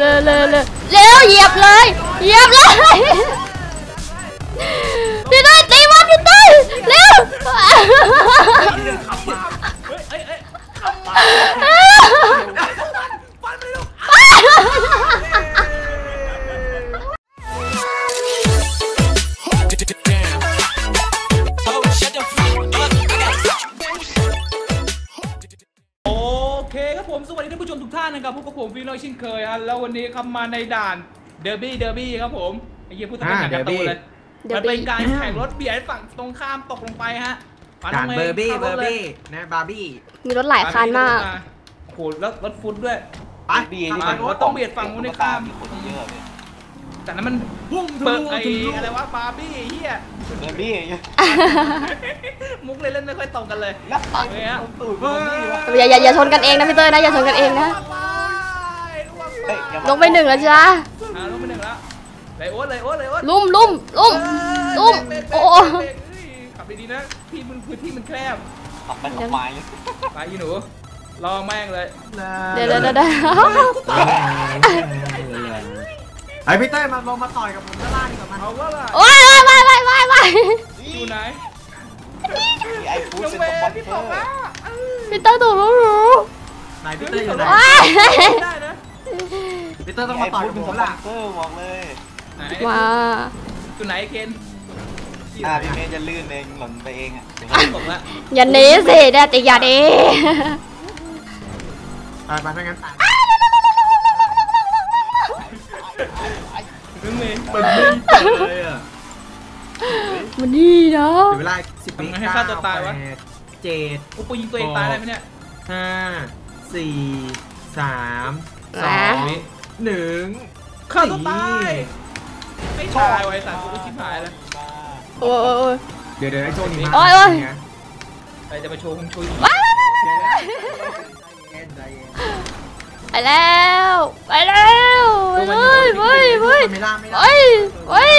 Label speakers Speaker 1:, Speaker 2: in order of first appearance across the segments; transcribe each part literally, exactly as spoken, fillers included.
Speaker 1: ร็วเร็วเร็วเร็วเหยียบเลยเหยียบเลยพี่เต้ยตีมันพี่เต้ยเร็ว
Speaker 2: ผมสวัสดีท่านผู้ชมทุกท่านนะครับพบกับผมฟิลล์เช่นเคยฮะแล้ววันนี้ครับมาในด่านเดอร์บี้เดอร์บี้ครับผมไอ้เหี้ยพูดตั้งแต่การ์ตูนเลยมันเป็นการแข่งรถเบียดฝั่งตรงข้ามตกลงไปฮะ
Speaker 3: ด่านเบอร์บี้เบอร์บี้นะบาร์บี้
Speaker 1: มีรถหลายคันมาก
Speaker 2: โอ้โหแล้วรถฟุตด้วย
Speaker 3: ไป
Speaker 2: ดีรถต้องเบียดฝั่งนู้นข้ามแต่นั้นมันพุ่งเปิดไอ้อะไรวะบาร์บี้เหี้ย
Speaker 4: เบอร์บี้
Speaker 2: มุกเลยเล่นไม่ค่อยตรงกันเลย
Speaker 1: อย่าอย่าอย่าชนกันเองนะพี่เต้ยนะอย่าชนกันเองนะลงไปหนึ่งแล้วจ้า
Speaker 2: ลงไปหนึ่งแล้วเลยโอ๊ตเลยโอ๊ตเลยโอ๊ต
Speaker 1: ลุ่มลุ่มลุ่มลุ่มโอ้
Speaker 2: ขับดีๆนะที่มันพื้นที่มันแคบ
Speaker 4: ขับไปขับมาเลย
Speaker 2: ไปยีหนูรอแม่งเลย
Speaker 1: เดี๋ยวเดี๋ยวเดี๋ยว
Speaker 3: ไอพี่เต้มาลงมาต่อยกับผมด้านล่างดีกว่ามัน
Speaker 2: เอาว่าล่ะ
Speaker 1: โอ้ยไปไปไปไป
Speaker 2: อยู่ไหน
Speaker 4: ไอ้ฟูเซ็นต์บอลพี่ตกแล้ว
Speaker 1: พี่เต้ถูกรู้รู้
Speaker 3: ไหนพี่เต้อยู่ไหน
Speaker 2: ได้นะ
Speaker 3: พี่เต้ต้องมาต่อยกับผมล่ะ
Speaker 4: เตอร์บอกเลย
Speaker 1: ว้า
Speaker 2: อยู่ไหนเคน
Speaker 4: อ่าพี่เมย์จะลื่นเองหล่นไปเองอ่ะ
Speaker 2: ตกละ
Speaker 1: อย่าหนีสิเด็ดอย่าหนี
Speaker 3: ไปไปถ้างั้น
Speaker 2: เมย์
Speaker 3: มันนี่เลยอ่ะ
Speaker 1: มันนี่เนาะ
Speaker 3: เวลาสิบวิ
Speaker 2: ให้ฆ่าตัวตายวะ
Speaker 3: เจ็ด
Speaker 2: กูปูยิงตัวเองตายได้ไหมเนี่ย
Speaker 3: ห้าสี่สามสองหนึ่ง
Speaker 2: ฆ่าตัวตายไม่ตายไว้สัตว์กูชิบหายแล้ว
Speaker 1: โอ้ย
Speaker 3: เดี๋ยวเดี๋ยวไอ้โจนี่มา
Speaker 1: โอ้ยโอ้ย
Speaker 2: ใครจะมาโชว์คงโชว์
Speaker 1: ไปแล้วไปแล้วเฮ้ยเฮ้ยเฮ้ย
Speaker 3: ไม่ได้ไม่ได้
Speaker 1: เฮ้ยเฮ้ย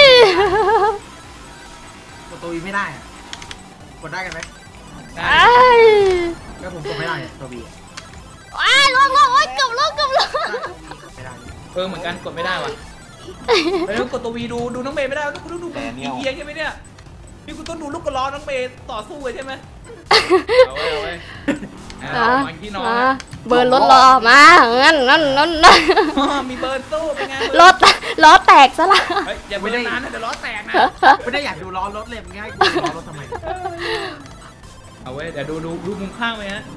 Speaker 3: กดตัววีไม่ได้กดได้กันไหม
Speaker 1: ได้
Speaker 3: ก็ผมกดไม่ได้ตัววี
Speaker 1: ว้ายลงลงโอ๊ยกบลงกบลง
Speaker 2: เออเหมือนกันกดไม่ได้ว่ะแล้วกดตัววีดูดูน้องเมย์ไม่ได้ต้องดูดูเอียงใช่ไหมเนี่ยนี่กูต้องดูลูกกระล้อน้องเมย์ต่อสู้เลยใช่ไหมเอาไว้เอาไว้
Speaker 1: มาที่นอนเบิร์นรถล้อมางั้นงั้นงั้น
Speaker 2: มีเบิร์นสู้เป็นไง
Speaker 1: รถล้อแตกซะละ
Speaker 2: อย่าไปนานนะเดี๋ยวล้อแตกนะ
Speaker 3: ไม่ได้อยากดูล้อรถเลยง่ายกูล้อรถทำไม
Speaker 2: เอาไว้เดี๋ยวดูดูดูมุมข้างไหมฮะ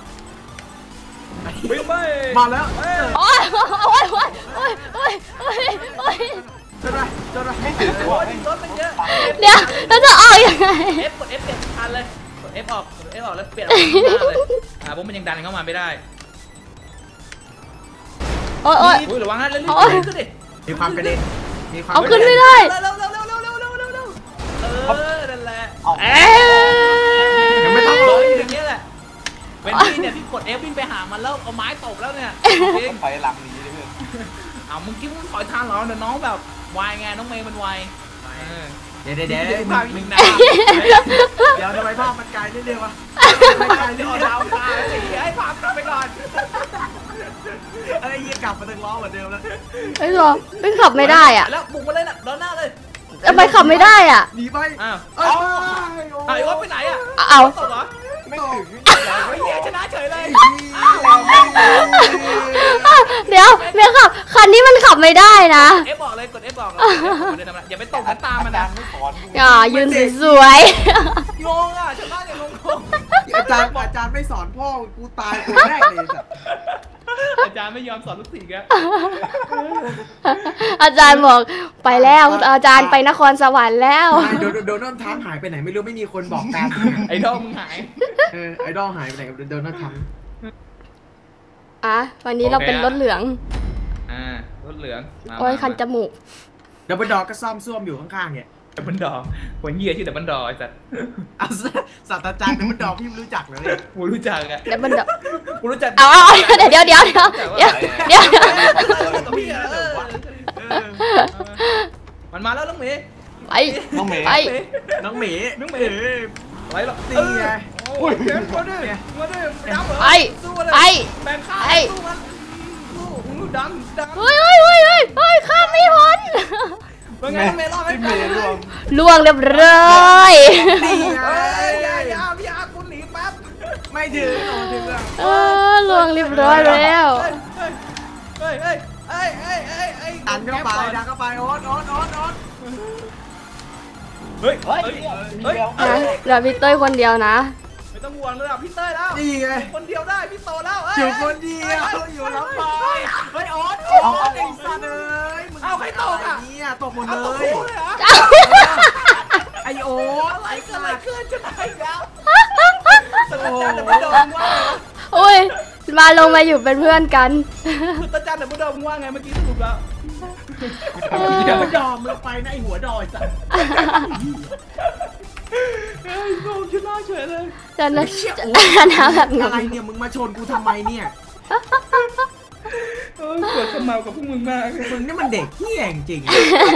Speaker 2: วิ่งไป
Speaker 3: มาแล้ว
Speaker 1: โอ้ยโอ้ยโอ้ยโอ้ยโอ้ยโอ้ยโอ้ย
Speaker 3: จนไรจนไร
Speaker 2: ไม่ถึงโอ้ยรถมันเยอะ
Speaker 1: เดี๋ยวเราจะออกยังไง
Speaker 2: F กด F เปลี่ยนคันเลยกด F ออกกด F ออกแล้วเปลี่ยนเลยอ่าผมมันยังดันเข้ามาไม่ได้
Speaker 1: โอ้ยโอ้ย
Speaker 2: ระวังนะเรื่อยๆขึ้นดิ
Speaker 3: มีความกระเด็นมีความ
Speaker 1: เอาขึ้นไม่ได้
Speaker 2: เร็วเร็วเร็วเร็วเร็วเร็วเร็วเร็วเออนั่นแหละ
Speaker 3: ยังไม่ต้อง
Speaker 2: เลยอย่างเงี้ยแหละเวนดี้เนี่ยพี่กด F วิ่งไปหามันแล้วเอาไม้ตบแล้วเนี่ย
Speaker 4: ถอยหลังหนีเลยเพื่อน
Speaker 2: อ้าวมึงคิดว่ามึงถอยทางเหรอเดี๋ยวน้องแบบวายไงน้องเมย์มันวาย
Speaker 3: เดี๋ยวเดี๋ยวเดี๋ยวเดี๋ยว
Speaker 2: ภาพยิงน้ำ
Speaker 3: เดี๋ยวทำไมภาพมันไกลนิดเดียววะ
Speaker 2: ไม่ไกลเดี๋ยวเราตายให้ภาพกลับไปก่อน
Speaker 3: ไอ้ยี่กลับมาตึงล้อเหมือนเดิมแล้ว
Speaker 1: ไอ้หรอไม่ขับไม่ได้อ่ะ
Speaker 2: แล้วบุกมาเลยน่ะด้านหน้าเลย
Speaker 1: ทำไมขับไม่ได้อ่ะ
Speaker 3: หนีไป
Speaker 2: อ้าวไอ้วะไปไหนอ่ะ
Speaker 1: เอา
Speaker 2: ตกเหรอไม่ถึงไม่เหี้ยชนะเฉยเลย
Speaker 1: เดี๋ยวเมียขับคันนี้มันขับไม่ได้นะ
Speaker 2: เอฟบอกเลยกดเอฟบอกอย่าไปตกตามมันนะ
Speaker 1: อย่ายืนสวย
Speaker 2: งงอ่ะชนะอย่างงง
Speaker 3: อาจารย์อาจารย์ไม่สอนพ่อกูตายคนแรกเลย
Speaker 2: อาจารย์ไม่ยอมสอนลูกศิษย์แก
Speaker 1: อาจารย์บอกไปแล้วอาจารย์ไปนครสวรรค์แล้ว
Speaker 3: โดนัลด์ทรัมป์หายไปไหนไม่รู้ไม่มีคนบอกตาม
Speaker 2: ไอดอลมึงหาย
Speaker 3: เออไอดอลหายไปไหนกับโดนัลด์ทรัมป์
Speaker 1: อ่ะวันนี้เราเป็นรถเหลือง
Speaker 2: อ่ารถเหลือง
Speaker 1: โอ้ยคันจมูก
Speaker 3: ดับเบิลดอกก็ซ่อมซ่วมอยู่ข้างๆเนี่ย
Speaker 2: ดับเบิลดอกคนเหี้ยชื่อดับเบิลดอกไอ้สัตว์
Speaker 3: เอาศาสตราจารย์ดับเบิลดอกพี่รู้จักเลย
Speaker 2: กูรู้จักอะ
Speaker 1: ดับเบิลดอก
Speaker 2: กูรู้จัก
Speaker 1: เอาเดี๋ยวเดี๋ยวเดี๋ยวเดี๋ยวเดี๋ยวเดี๋ยว
Speaker 2: มันมาแล้วน้องเมย์
Speaker 1: ไป
Speaker 4: น้องเมย์
Speaker 1: ไป
Speaker 3: น้องเมย์
Speaker 2: น้องเมย์
Speaker 3: ไปหรอกตีไง
Speaker 2: โอ้ยเกินมาด้วยมาด้วย
Speaker 1: ไปไป
Speaker 2: แบ่งข้าวสู้มันสู้ดันดัน
Speaker 1: เฮ้ยเฮ้ย
Speaker 2: เป็นไงเมย์รอดไหม
Speaker 4: พี่เมย์ร่วง
Speaker 1: ล่วงเรียบร้อย
Speaker 3: นี่ไง
Speaker 2: เฮ้ยอย่าอย่าพี่อาคุณหนีแป๊บ
Speaker 3: ไม่ถึงเอาถึงแล้ว
Speaker 1: เออล่วงเรียบร้อยแล้ว
Speaker 2: เฮ้ยเฮ้ยเฮ้ยเฮ้ยเฮ้ยเฮ้ย
Speaker 3: ดันเข้าไปดันเข้าไปโอ๊ตโอ๊ตโอ๊ตโอ๊ต
Speaker 2: เฮ้ย
Speaker 4: เฮ้ย
Speaker 2: เฮ้ย
Speaker 4: เดียว
Speaker 1: นะเหลือพี่เต้ยคนเดียวนะ
Speaker 2: ไม่ต้องห่วงเลยอ่ะพี่เต้ยแล้ว
Speaker 3: นี่ไง
Speaker 2: คนเดียวได้พี่โตแล้ว
Speaker 3: อยู่คนเดียวอยู่ลำบากเฮ้ยโอ๊ตโอ๊ตไอ้สัตว์เอ้ยมึงเนี่ยตกหมด
Speaker 2: เอา
Speaker 3: เล
Speaker 2: ตัว
Speaker 3: ย
Speaker 2: คู่เลยเหรอ
Speaker 3: ไอโอ๊ต
Speaker 2: อะไร
Speaker 3: ไอ้
Speaker 2: เกิด
Speaker 3: สั
Speaker 2: อะไร
Speaker 3: ตว์
Speaker 2: ขึ้นจะไหนแล้วตาจันเดี๋ยวมึงโดนว่า
Speaker 1: โอ้ยมาลงมาอยู่เป็นเพื่อนกัน
Speaker 2: ตาจันเดี๋ยวมึงโดนว่าไงเมื่อกี้สรุปแล้ว
Speaker 3: อย่าไปยอมมึงไปนะไอหัวดอยสัตว์
Speaker 2: เฮ้ยโง่ชนะเฉยเลย
Speaker 1: จะนะ
Speaker 3: เชี่ย
Speaker 1: จะ
Speaker 3: โอ๊ต
Speaker 1: นะแบบง
Speaker 3: อะไร
Speaker 1: ง
Speaker 3: เนี่ยมึงมาชนกูทำไมเนี่ย
Speaker 2: เออปวดขมาวกับพวกมึงมาก
Speaker 3: มึงนี่มันเด็กเหี้ยจริง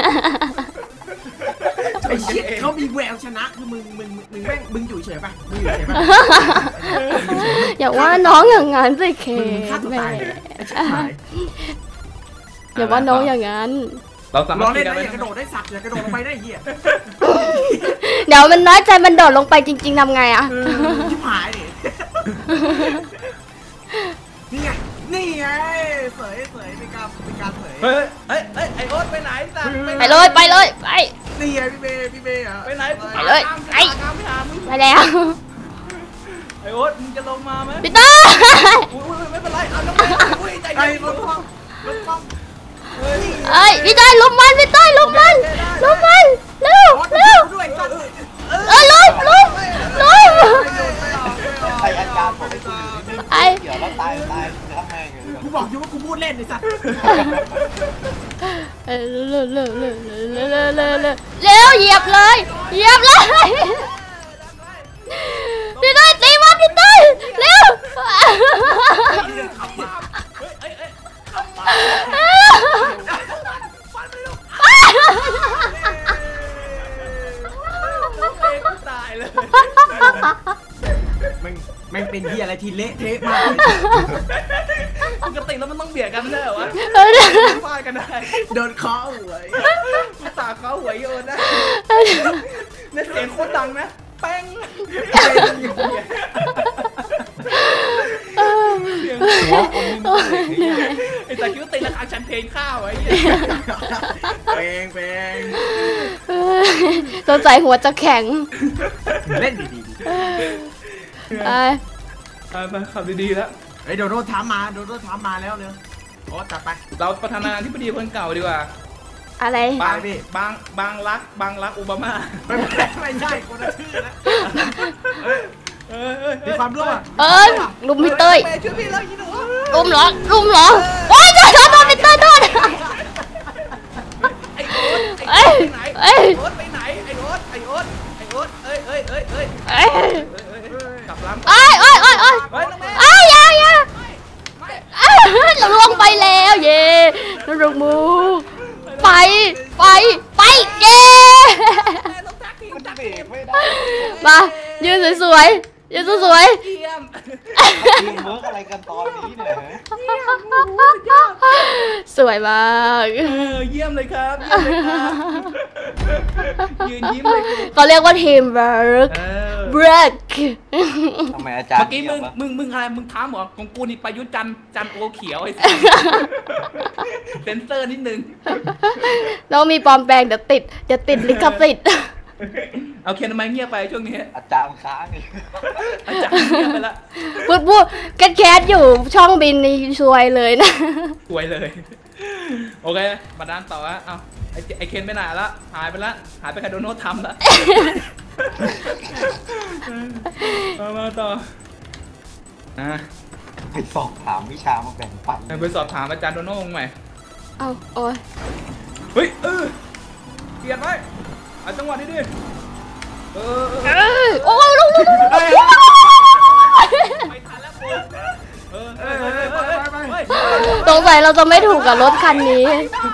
Speaker 3: ไอ้เชี่ยเขามีแววชนะคือมึงมึงมึงแม่งมึงอยู่เฉยป่ะมึงอยู่เฉยป่ะ
Speaker 1: อย่าว่าน้องอย่างนั้นสิเค
Speaker 3: มึงมึงฆ่าตัว
Speaker 1: แม่
Speaker 3: ตายเลยไอ้ชิบหาย
Speaker 1: อย่าว่าน้องอย่างนั้น
Speaker 2: เราสามาร
Speaker 3: รอ
Speaker 2: ถ
Speaker 3: เล่น
Speaker 2: กั
Speaker 3: นะ
Speaker 2: น
Speaker 3: อย่ากระโดดได้สัตว์อย่ากระโดดลงไปได้เหี้ย
Speaker 1: เดี๋ยวมันน้อยใจมันโดดลงไปจริง ๆทำไงอะ
Speaker 3: เออชิบหายดินี่ไงนี่ไงเสยเสยเป็นการเป็นการเสย
Speaker 2: เฮ้ยเฮ้ยเฮ้ยไอโอ๊ตไปไหนสัตว์
Speaker 1: ไปเลยไปเลยไป
Speaker 3: นี่ไงพี่เบย์พี่เบย์อ่ะ
Speaker 2: ไปไหน
Speaker 1: ไปเลย
Speaker 2: ไอ
Speaker 1: ไอ้
Speaker 2: ตามไปหามึง
Speaker 1: ไปแล้ว
Speaker 2: ไอโอ๊ตมึงจะลงมาไหม
Speaker 1: พี่เต้ย
Speaker 2: อุ้ยไม่เป็นไรเอาน้องเมย์อุ้ยใจ
Speaker 3: ไอ้
Speaker 2: เย็น
Speaker 3: รถคว่ำรถคว่ำ
Speaker 2: เฮ้ย
Speaker 1: เอ้ยพี่เต้ยลุมมันพี่เต้ยลุมมันลุมมันเร็ว
Speaker 3: รถ
Speaker 1: เร็ว
Speaker 3: ด้วยสัตว์
Speaker 1: เออลุมลุมลุม
Speaker 4: ใครอาจารย์ผมไม่เกี่ยวแล้วตายตายจะทำไง
Speaker 3: กูบอกอยู่ว่ากูพูดเล่นไอ้สัตว์
Speaker 1: เออเร็วเร็วเร็วเร็วเร็วเร็วเร็วเร็วเหยียบเลยเหยียบเลยพี่เต้ยตีมันพี่เต้ยเร็ว
Speaker 2: เฮ้ยเฮ้ยเฮ้ยขับมาฟันไปลูกน้องเมย์กูตายเลย
Speaker 3: มันมันเป็นที่อะไรที่เละเทะมาก
Speaker 2: ปกติแล้วมันต้องเบียดกันไม่ได้เหรอวะ
Speaker 1: เออ
Speaker 2: ฟาดกันได้
Speaker 3: โดนเคาะหัว
Speaker 2: กูตาเขาหัวโยนนะเนี่ยเสียงโคตรดังนะแป้งเสียงหัวคนมึงไอ้ตาคิ้วตีราคาชันเพลงข้าวไอ้เหี้ย
Speaker 3: เพลงเพลง
Speaker 1: สงสัยหัวจะแข็ง
Speaker 3: เล่นดี
Speaker 1: ไป
Speaker 2: ไปไปขับดีๆแล้ว
Speaker 3: ๆไอ้โดโดถามมาโดโดถามมาแล้วเร็วโอ้จัดไป
Speaker 2: เราประธานาธิบดีคนเก่าดีกว่า
Speaker 1: อะไร
Speaker 2: บางบางบางรักบางรักโอบามา
Speaker 3: ไม่ไม่ใช่คนละชื่อนะ
Speaker 2: เออเออ
Speaker 3: มีความรู้อ่ะ
Speaker 1: เอ้ยลุมพี่เต้ย
Speaker 2: ช่วยพี่แล้วยี่หนู
Speaker 1: ลุมเหรอลุมเหรอโอ้ยโดนโดนโดนพี่เต้ยโดน
Speaker 2: ไอ้โอ๊ต
Speaker 1: เอ้
Speaker 2: ไอ้
Speaker 1: ย
Speaker 2: โอ๊ตไปไหน
Speaker 1: เอ้ย
Speaker 2: ไอ้โอ๊ตไปไหนไอ้โอ๊ตไอ้โอ๊ตไอ้โอ๊ตเอ้ยเอ้ยเอ้ยเอ้ย
Speaker 1: เอ้ย
Speaker 2: กลับลำ
Speaker 1: เอ้ยเอ้ยเอ้ยเอ้ย
Speaker 2: เฮ้ยน้องแม่
Speaker 1: เอ้ยอย่าอย่าเอ้ยเราลงไปแล้วเย่เราลงมูไปไปไปเย่
Speaker 2: แม่ต้องทักที
Speaker 4: มัน
Speaker 2: ทัก
Speaker 4: เบร
Speaker 2: ที
Speaker 4: กไม่ได้
Speaker 1: มายืนสวยๆยืนสวย
Speaker 2: เยี่ยม
Speaker 4: ทีมเวิร์กอะไรกันตอนนี้เนี่ย
Speaker 1: ๆสวยมาก
Speaker 2: เออเยี่ยมเลยครับเยี่ยมเลยครับยืนยิ้มเลยกู
Speaker 1: เขาเรียกว่าทีมเวิร์ก
Speaker 2: เออ
Speaker 1: เบรก
Speaker 4: ทำไมอาจารย์
Speaker 2: เมื่อกี้มึง
Speaker 4: เงียบวะ
Speaker 2: มึงมึงอะไรมึงถามเหรอของกูนี่ประยุทธ์จันทร์จันทร์โอเขียวไอ้สัสเซนเซอร์นิดนึง
Speaker 1: เรามีปลอมแปลงเดี๋ยวติดเดี๋ยวติดลิขสิทธิ์
Speaker 2: เอาเคนทำไมเงียบไปช่วงนี้
Speaker 4: อาจารย์ค้างเลย
Speaker 2: อาจารย์เงียบไปละ
Speaker 1: พูดพูดแคทแคทอยู่ช่องบินนี่ซวยเลยนะ
Speaker 2: สวยเลย โอเคมาด้านต่อฮะเอาไอ้ไอ้เคนไปไหนละหายไปละหายไปคาโดโน่ทำละเอามาต่ออ่ะ
Speaker 4: ไปสอบถามวิชามาแบ่งปัน
Speaker 2: ไปสอบถามอาจารย์โดโน่ใหม่
Speaker 1: เอาโอ้ย
Speaker 2: เฮ้ยเออเปลี่ยนไหมเอาจังหวะนี้ดิเออ
Speaker 1: เอ้ยโอ้ยลุงลุงลุง
Speaker 2: ไม่ทันแล้วกูเออเออเออเออเฮ้ย
Speaker 1: สงสัยเราจะไม่ถูกกับรถคันนี้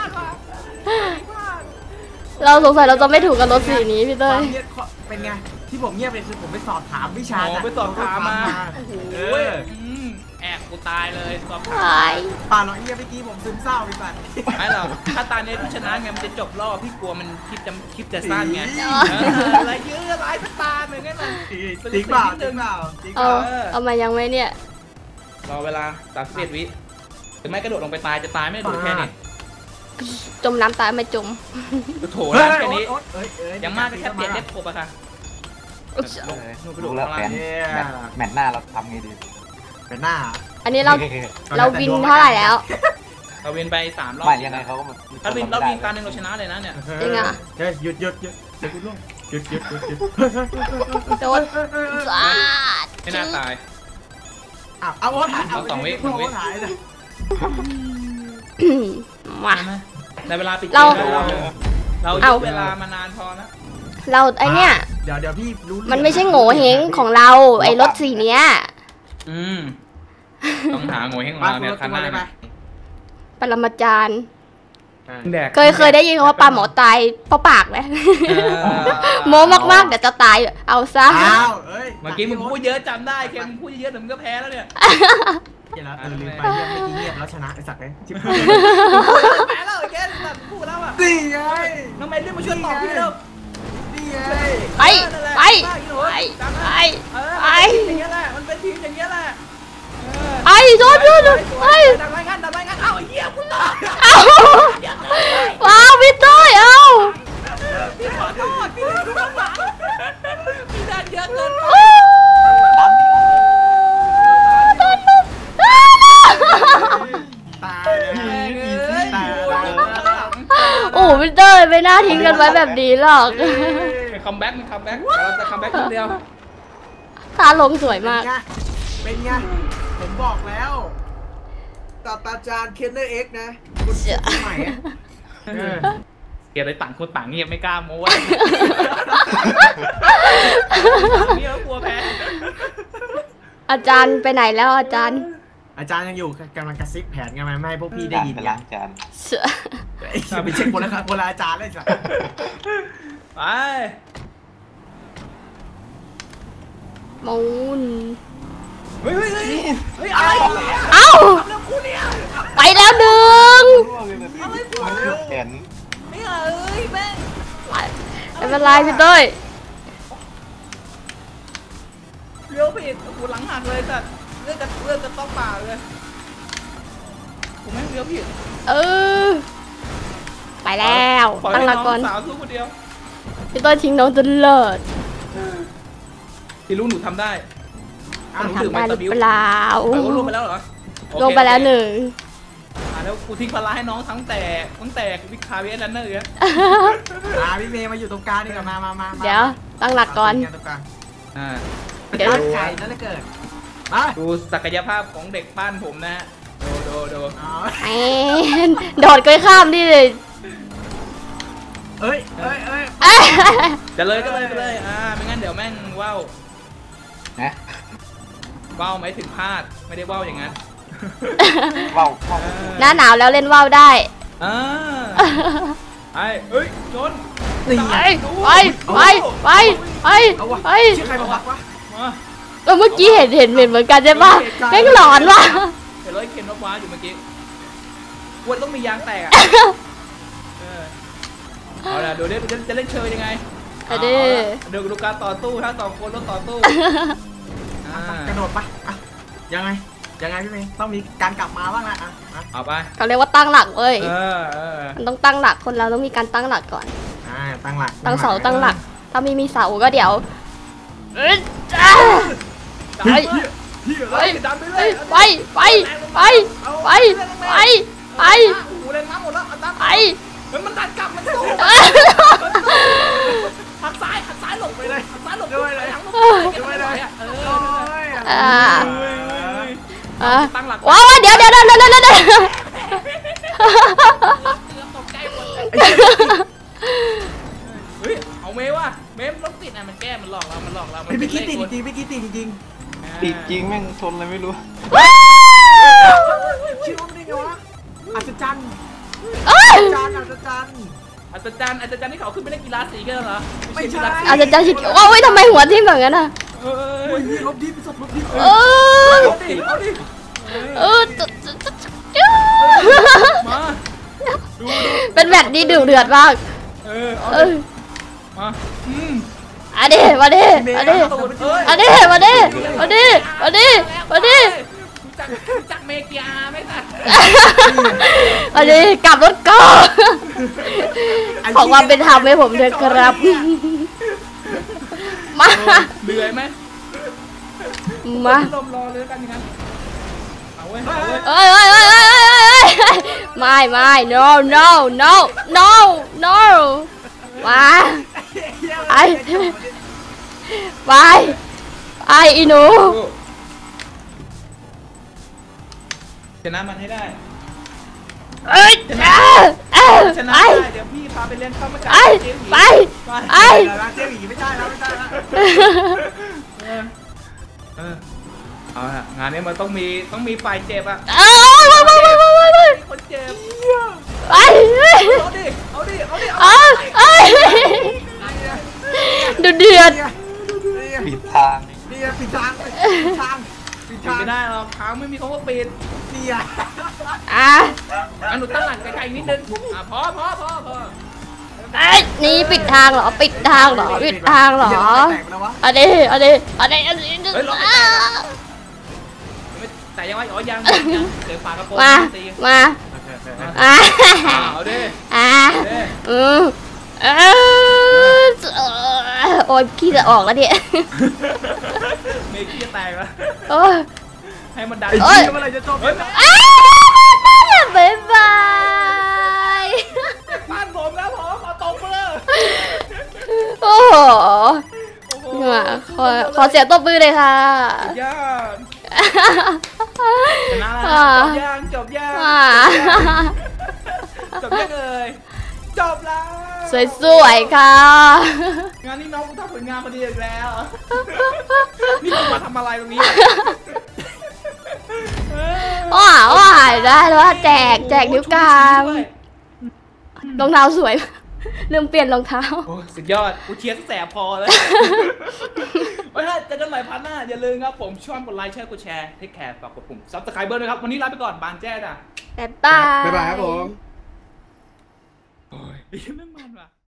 Speaker 1: เราสงสัยเราจะไม่ถูกกับรถสีนี้พี่
Speaker 3: ค
Speaker 1: เต้
Speaker 3: วาย มเงียบเป็นไงที่ผมเงียบเลยคือผมไปสอบถามวิชา
Speaker 2: อ๋อ
Speaker 3: จาก
Speaker 2: ไปสอบถามมา
Speaker 3: โอ้โห
Speaker 2: โอ้ยอืมแอบกูตายเลยตัว
Speaker 1: ตาย
Speaker 3: ป่าหรอกเฮียเมื่อกี้ผมซึมเศร้าไปก่อน
Speaker 2: ไม่หรอกถ้าตาเนี่ยพี่ชนะไงมันจะจบรอบพี่กลัวมันคลิปจะคลิปจะสั้นไงอะไรเยอะอะไรสักตาหนึ่งไงมัน
Speaker 3: จริงเปล่าจริงเปล่าจริงเป
Speaker 1: เอา
Speaker 3: ล่า
Speaker 1: เอามายังไหมเนี่ย
Speaker 2: รอเวลาสามสิบเอ็ดวิหรือไม่กระโดดลงไปตายจะตายไม่โดดแค่นี้
Speaker 1: จมน้ำตายไม่จม
Speaker 2: โถน้ำแค่นี้
Speaker 3: เอ้ยเอ้ย
Speaker 2: ยังมากก็แค่เปลี่ยนเล็บครบอะค่ะ
Speaker 4: รู้แล้วแผนแมตช์หน้าเราทำไงดี
Speaker 3: เป็นหน้า
Speaker 1: อันนี้เราเราวินเท่าไหร่แล้ว
Speaker 2: เราวินไปสามรอบ
Speaker 4: ไม่ยังไงเขาก็
Speaker 2: ถ้าวินเราวินการหนึ่งเราชนะเลยนะเนี่ย
Speaker 1: จริงอ่ะ
Speaker 3: เฮ้ยหยุดหยุดหยุดเดี๋ยวกูล่วงหยุดหยุดหยุดหยุด
Speaker 1: โดนสาด
Speaker 2: ไม่น่าตาย
Speaker 3: อ้าวเอาโอ๊ตหายเอา
Speaker 2: สองวิ
Speaker 3: โอ๊ตหายเลย
Speaker 1: มา
Speaker 2: ในเวลาปิดเก
Speaker 1: เรา
Speaker 2: มเราเรายืดเวลามานานพอนะ
Speaker 1: เราไอเนี้ย
Speaker 3: เดี๋ยวเดี๋ยวพี่รู้
Speaker 1: มันไม่ใช่โง่เฮงของเราไอรถสีเนี้ย
Speaker 2: อืมต้องหาโง่ให้ของเราเนี่ยคันหน้าเนี่ย
Speaker 1: ปรมาจารย์
Speaker 2: แดก
Speaker 1: เคยเคยได้ยินคำว่าปลาหมอตายเพราะปากไหม
Speaker 2: เออ
Speaker 1: โมมากๆเดี๋ยวจะตายเอาซะ
Speaker 3: อ้าวเอ้ย
Speaker 2: เมื่อกี้มึงพูดเยอะจำได้เคนมึงพูดเยอะแต่มึงก็แพ้แล้วเนี่ย
Speaker 3: เดี๋ยวแล้วเออลืมไปเรื่องเมื่อกี้เงียบแล้วชนะไอ้สัตว์เลยชิบหาย
Speaker 2: แพ้แล้วไอ้เคนแบบพูดแล้วอ่ะ
Speaker 3: นี่ไง
Speaker 2: น้องเมย์รีบมาช่วยตอบพี่เร็ว
Speaker 3: นี่ไง
Speaker 1: ไปไปไปไปไป
Speaker 2: อย่างเงี้ยแหละมันเป็นทีมอย่างเงี้ยแหละ
Speaker 1: ไปโดนโดนไป
Speaker 2: ดังรายงานดังรายงานเอ้าไอ้เหี้ยกูตอบ
Speaker 1: เอาว้าวพี่ต้อยเอา
Speaker 2: พี่ขอโทษพี่เล่นดูข้างหลังพี่ดันเยอะเกินไป
Speaker 3: ตายเลยอีซี่ตายเลย
Speaker 1: โอ้พี่เต้ยไม่น่าทิ้งกันไว้แบบนี้หรอก
Speaker 2: คัมแบ็กมันคัมแบ็กเราจะคัมแบ็กคนเดียว
Speaker 1: ท่าลงสวยมาก
Speaker 3: เป็นไงผมบอกแล้วศาสตราจารย์เคนเนอร์เอ็กนะคุณใหม่
Speaker 2: เกียร์อะไรต่างคนต่างเงียบไม่กล้าโม้เงียบกลัวแพ้
Speaker 1: อาจารย์ไปไหนแล้วอาจารย์
Speaker 3: อาจารย์ยังอยู่กำลังกระซิบแผนกันไหมไม่ให้พวกพี่ได้ยิน
Speaker 4: ไป
Speaker 3: ไง
Speaker 4: ล้างจาน
Speaker 1: เสือ
Speaker 3: ไปเช็คคนละคนละอาจารย์เลยจ้ะ
Speaker 2: ไป
Speaker 1: มูน
Speaker 2: เฮ้ยเฮ้ยเฮ้ยเฮ้ยอะไร
Speaker 1: เอ้า
Speaker 2: เรื่องกูเนี่ย
Speaker 1: ไปแล้วหนึ่ง
Speaker 4: มันเห็น
Speaker 2: ไม่เอ้ยแม่ง
Speaker 1: ไม่เป็นไรพี่เต้ย
Speaker 2: เลี้ยวผิดกูหลังหักเลยแต่เลือดจะเลือดจะต้องป่าเลยผมไม่เลี้ยวผิด
Speaker 1: เออไปแล้วตั้งหลักก่อน
Speaker 2: สาวสู้คนเดียว
Speaker 1: พี่เต้ยทิ้งน้องจนเลิศ
Speaker 2: ที่รู้หนูทำได้
Speaker 1: ทำได้หรือเปล่า
Speaker 2: ไปลงไปแล้วเหรอ
Speaker 1: ลงไปแล้วหนึ่ง
Speaker 2: อ่าแล้วกูทิ้งพลาให้น้องทั้งแต่ตั้งแต่วิคาเวียนนั่นเนอร์เนี่ย
Speaker 3: อ่าพี่เมย์มาอยู่ตรงกลางนี่กับมามามา
Speaker 1: เดี๋ยวตั้งหลักก่อน
Speaker 2: อ่า
Speaker 1: เดี๋ยว
Speaker 3: ใครนั่นเลยเกิดมา
Speaker 2: ดูศักยภาพของเด็กบ้านผมนะฮะดูดูดู
Speaker 1: แอนโดดก้อยข้ามดิเลย
Speaker 3: เอ้ยเอ้ยเอ้ย
Speaker 1: เอ้ย
Speaker 2: จะเลยก็เลยไปเลยอ่าไม่งั้นเดี๋ยวแม่งว่าว
Speaker 4: นะ
Speaker 2: ว่าวหมายถึงพลาดไม่ได้ว่าวอย่างนั้น
Speaker 4: ว้าวว้าว
Speaker 1: หน้าหนาวแล้วเล่นว่าวได้
Speaker 2: อ่าไอ้เอ้ยชน
Speaker 3: นี่
Speaker 1: ไป
Speaker 3: ไง
Speaker 1: ไปไปไปไป
Speaker 3: เอาวะ
Speaker 1: ไป
Speaker 3: ชื่อใครมาบักวะ
Speaker 2: มา
Speaker 1: เออเมื่อกี้เห็นเห็นเห็นเหมือนกันใช่ปะแม่งหลอนว่ะ
Speaker 2: เห็นรถเข็นรถว้าอยู่เมื่อกี้วนต้องมียางแตกอ่ะเออเอาละดูดิจะจะเล่นเชยยังไง
Speaker 1: เอาดิ
Speaker 2: เดี๋ยวดูการต่อตู้ทั้งสองคนรถต่อตู้อ่าก
Speaker 3: ระโดดปะอ่ะยังไงยังไงพี่เมย์ต้องมีการกลับมาบ้างนะอ่ะอ่ะ
Speaker 2: เอาไป
Speaker 1: เขาเรียกว่าตั้งหลักเว้ย
Speaker 2: เออเออ
Speaker 1: มันต้องตั้งหลักคนเราต้องมีการตั้งหลักก่อน
Speaker 3: อ่าตั้งหลัก
Speaker 1: ตั้งเสาตั้งหลัก ถ้าไม่มีเสาก็เดี๋ยวเอ้ยจ้า
Speaker 2: ดันเลยเฮ้ยดันไปเล
Speaker 1: เฮ้
Speaker 2: ย
Speaker 1: ยไปไปไปไปไปไป
Speaker 2: โอ้โหเล่นน้ำหมดแล้วเอาน้ำ
Speaker 1: ไป
Speaker 2: เฮ้ยมันดันกลับมันสู้หักซ้ายหักซ้ายหลบไปเลยหักซ้ายหลบไปเลยหักหลบไปเลยเออ
Speaker 1: อ่า
Speaker 2: เฮ้ย
Speaker 1: อ่า
Speaker 2: ตั้งหลัก
Speaker 1: ว้าวเดี๋ยวเดี๋ยวเดี๋ยวเดี๋ยวเดี๋ยว
Speaker 2: ตกใจหมดเฮ้ยเอาเมย์ว่ะเมย์รถติดอ่ะมันแก้มันหลอกเรามันหลอกเรา
Speaker 3: ไม่ไม่คิดติดจริงไม่คิดติดจริง
Speaker 4: ติดจริงแม่งชนอะไรไม่รู้
Speaker 3: ชื่อมันได้ไงวะอัศจรรย์
Speaker 1: เอ้ย
Speaker 3: อัศจรรย์อัศจรรย์
Speaker 2: อาจารย์อาจารย์ที่เขาขึ้นไปเล่นกีฬาสีกันเหรอ
Speaker 1: อาจจะจะชิดว้าวทำไมหัวทิ่มแบบนั้นอ่ะ
Speaker 2: เอ
Speaker 3: โอ้
Speaker 2: อย
Speaker 3: ลบดิบศพลบดิบ
Speaker 1: เออ
Speaker 2: เอาดิเอาดิ
Speaker 1: เออ
Speaker 2: มาดูดู
Speaker 1: เป็นแบบนี้ดุเดือดมาก
Speaker 2: เออเอา
Speaker 1: เอ
Speaker 2: ดิ
Speaker 1: อ
Speaker 2: มาอืม
Speaker 1: อันนี้มาดิมาดิ
Speaker 2: ตูดเอ้ย
Speaker 1: อันนี้มาดิมาดิมาดิมาดิ
Speaker 2: รู้จักรู้จักเมกิอาไหมคะ
Speaker 1: อันนี้กลับรถก่อนขอความเป็นธรรมให้ผมเถอะครับมา
Speaker 2: เหนื่อยไหม
Speaker 1: มา
Speaker 2: ลมรอเลยกันอย่างนั้นเอาเว้ยเอาเว้ย
Speaker 1: เอ้ยเอ้ยเอ้ยเอ้ยเอ้ยเอ้ยไม่ไม่ no no no no no มาไปไปไปอีหนู
Speaker 2: ชนะมันให้ได้
Speaker 1: เอ้ยเอ้ยเอ้ย
Speaker 2: ชนะ
Speaker 1: ไป
Speaker 2: ได้เดี๋ยวพี่พาไปเลี้ยงข้าวมันไก่
Speaker 1: ไป
Speaker 2: เจ๊หวี
Speaker 1: ไปไป
Speaker 3: ร้านเจ๊หวีไม่ใช่แล้วไม่ใช่แล้ว
Speaker 2: เออเออเอาละงานนี้มันต้องมีต้องมีฝ่ายเจ็บอะ
Speaker 1: เอ้ยไปไปไปไปไป
Speaker 2: มีคนเจ็บ
Speaker 1: ไป
Speaker 2: เอาดิเอาดิเอาดิ
Speaker 1: เอ้ยเอ้ยดูเดือด
Speaker 4: ผิดทาง
Speaker 3: นี่ปิดทางปิดทางปิด
Speaker 2: ปิด
Speaker 3: ทาง
Speaker 2: ไม่ได้หรอกทางไม่มีคำว่าปิด
Speaker 3: นี่อ่ะ
Speaker 1: อ่ะ
Speaker 2: อันหนูตั้งหลังไกลๆนิดนึงอ่ะพอพอพอพอ
Speaker 1: เอ้ยนี่ปิดทางเหรอปิดทางเหรอปิดทางเหรอ
Speaker 3: แตกไปแล้ววะ
Speaker 1: อันนี้อันนี้อันนี้อันนี้
Speaker 2: เฮ้ยรอ
Speaker 1: อ่ะ
Speaker 2: ไม่แต่ยังว่าอ๋อยังยังยังเดี๋ยวฝากระโปรง
Speaker 1: มา
Speaker 2: ตี
Speaker 1: มา
Speaker 2: อ่ะ
Speaker 1: อ่ะ
Speaker 2: เอาดิ
Speaker 1: อ่ะ
Speaker 2: เด้
Speaker 1: อืมเออโอ้ยขี้จะออกแล้วเนี่ย
Speaker 2: เมกี้จะแตกแล้ว
Speaker 1: โอ้ย
Speaker 2: ให้มันดัน
Speaker 3: ไอ้
Speaker 1: เอ้ย
Speaker 3: เหี้ยเมื่อไหรจะจบ
Speaker 2: เฮ้ย
Speaker 1: อ้าวบ๊ายบาย
Speaker 2: บ้านผมแล้วผมเอาตรงมาเลย
Speaker 1: โอ้โห
Speaker 2: โอ้โห
Speaker 1: เนี่ยขอขอเสียงตบมือเลยค่ะ
Speaker 2: ยากชนะแล้ว
Speaker 1: อ่า
Speaker 2: จบยังจบยัง
Speaker 1: อ่า
Speaker 2: จบยังเลยจบแล้ว
Speaker 1: สวยๆค่ะ
Speaker 2: งานนี้น้องกูทำผลงานพอดีอีกแล้ว นี่มึงมาทำอะไรตรงนี้
Speaker 1: ว้าว้าได้แล้วว่าแจกแจกนิ้วกลางรองเท้าสวยลืมเปลี่ยนรองเท้า
Speaker 2: โอ้ยสุดยอดกูเชียร์ตั้งแต่พอแล้วไว้ถ้าเจอกันใหม่พันหน้าอย่าลืมครับผมช่วยกดไลค์แชร์กดแชร์เทคแคร์ฝากกดปุ่มซับสไครเบอร์ด้วยครับวันนี้ลาไปก่อนบางแจ้จ้ะ
Speaker 1: บ๊ายบาย
Speaker 3: บ๊ายบายครับผม
Speaker 2: โอ้ยไม่มันว่ะ